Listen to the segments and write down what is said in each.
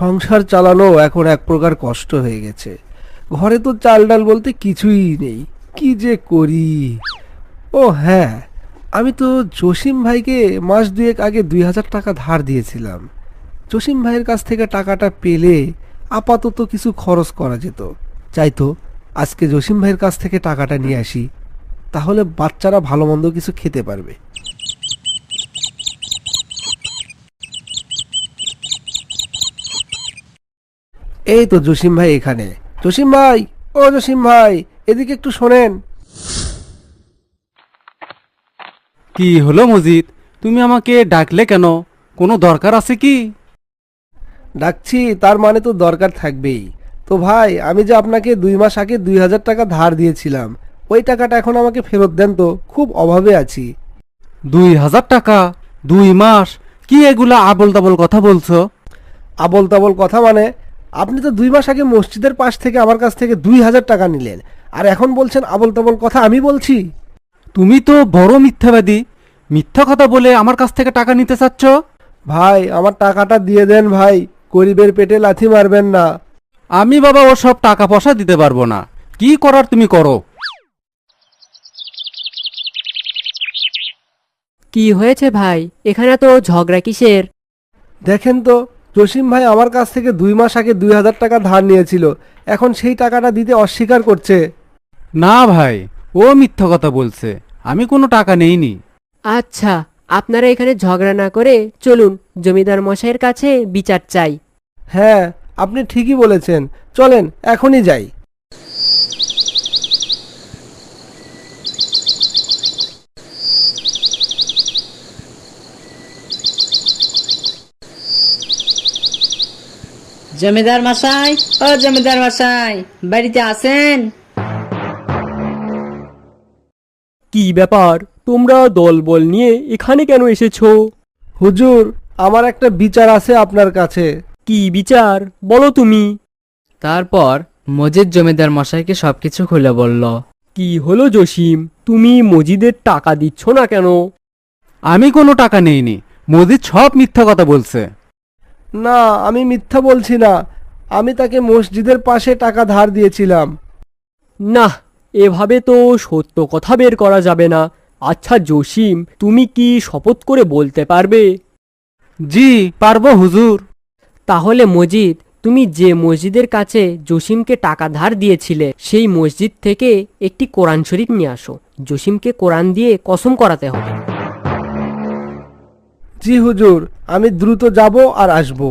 সংসার চালানো এখন এক প্রকার কষ্ট হয়ে গেছে। ঘরে তো চাল ডাল বলতে কিছুই নেই, কি যে করি। ও হ্যাঁ, আমি তো জসিম ভাইকে মাস দুয়েক আগে 2000 টাকা ধার দিয়েছিলাম। জসিম ভাইয়ের কাছ থেকে টাকাটা পেলে আপাতত কিছু খরচ করা যেত। চাই তো আজকে জসিম ভাইয়ের কাছ থেকে টাকাটা নিয়ে আসি, তাহলে বাচ্চারা ভালো মন্দ কিছু খেতে পারবে। এই তো জসিম ভাই এখানে। জসিম ভাই, ও জসিম ভাই, এদিকে একটু শোনেন। কি হলো মজিদ, তুমি আমাকে ডাকলে কেন? কোনো দরকার আছে কি? ডাকছি তার মানে তো দরকার থাকবেই। তো ভাই, আমি যে আপনাকে 2 মাস আগে 2000 টাকা ধার দিয়েছিলাম, ওই টাকাটা এখন আমাকে ফেরত দেন তো, খুব অভাবে আছি। 2000 টাকা? 2 মাস? কি এগুলা আবল তাবল কথা বলছো? আবল তাবল কথা মানে? আপনি তো 2 মাস আগে মসজিদের পাশ থেকে আমার কাছ থেকে 2000 টাকা নিলেন, আর এখন বলছেন আবল তাবল কথা আমি বলছি? তুমি তো বড় মিথ্যাবাদী। মিথ্যা কথা বলে আমার কাছ থেকে টাকা নিতে চাচ্ছ? ভাই, আমার টাকাটা দিয়ে দেন ভাই, গরিবের পেটে লাথি মারবেন না। আমি বাবা ওসব টাকা পয়সা দিতে পারবো না। কি করার তুমি করো। কি হয়েছে ভাই, এখানে তো ঝগড়া কিসের? দেখেন তো, জসিম ভাই আমার কাছ থেকে 2 মাস আগে 2000 টাকা ধার নিয়েছিল, এখন সেই টাকাটা দিতে অস্বীকার করছে। না ভাই, ও মিথ্যা কথা বলছে। আমি কোনো টাকা নেইনি। আচ্ছা, আপনারা এখানে ঝগড়া না করে চলুন জমিদার মশাইয়ের কাছে বিচার চাই। হ্যাঁ, আপনি ঠিকই বলেছেন, চলেন এখনই যাই। জমিদার মশাই, ও জমিদার মশাই, বাড়িতে আছেন? কি ব্যাপার, তোমরা দলবল নিয়ে এখানে কেন এসেছো? হুজুর, আমার একটা বিচার আছে আপনার কাছে। কি বিচার, বলো তুমি। তারপর মজিদ জমিদার মশাইকে সবকিছু খুলে বলল। কি হলো জসিম, তুমি মজিদের টাকা দিচ্ছ না কেন? আমি কোনো টাকা নেইনি। মজিদ সব মিথ্যা কথা বলছে। না, আমি মিথ্যা বলছি না, আমি তাকে মসজিদের পাশে টাকা ধার দিয়েছিলাম। না, এভাবে তো সত্য কথা বের করা যাবে না। আচ্ছা জসিম, তুমি কি শপথ করে বলতে পারবে? জি পারবো হুজুর। তাহলে মজিদ, তুমি যে মসজিদের কাছে জসিমকে টাকা ধার দিয়েছিলে সেই মসজিদ থেকে একটি কোরআন শরীফ নিয়ে আসো। জসিমকে কোরআন দিয়ে কসম করাতে হবে। জি হুজুর, আমি দ্রুত যাব আর আসব।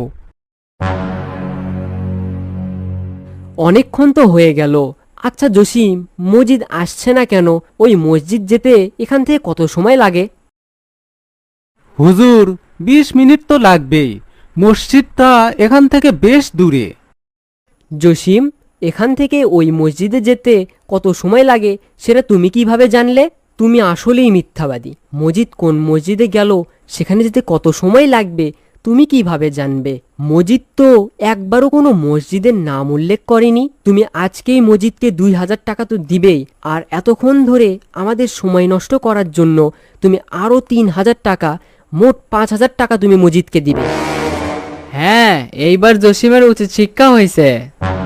অনেকক্ষণ তো হয়ে গেল। আচ্ছা জসিম, মজিদ আসছে না কেন? ওই মসজিদ যেতে এখান থেকে কত সময় লাগে? হুজুর, 20 মিনিট তো লাগবেই। মসজিদটা এখান থেকে বেশ দূরে। জসিম, এখান থেকে ওই মসজিদে যেতে কত সময় লাগে সেটা তুমি কিভাবে জানলে? তুমি আসলেই মিথ্যাবাদী। মজিদ কোন মসজিদে গেল, সেখানে যেতে কত সময় লাগবে তুমি কিভাবে জানবে? মজিদ তো একবারও কোনো মসজিদের নাম উল্লেখ করেনি। তুমি আজকেই মজিদকে 2000 টাকা তো দিবেই, আর এতক্ষণ ধরে আমাদের সময় নষ্ট করার জন্য তুমি আরও 3000 টাকা, মোট 5000 টাকা তুমি মজিদকে দিবে। হ্যাঁ, এইবার জসিমের উচিত শিক্ষা হয়েছে।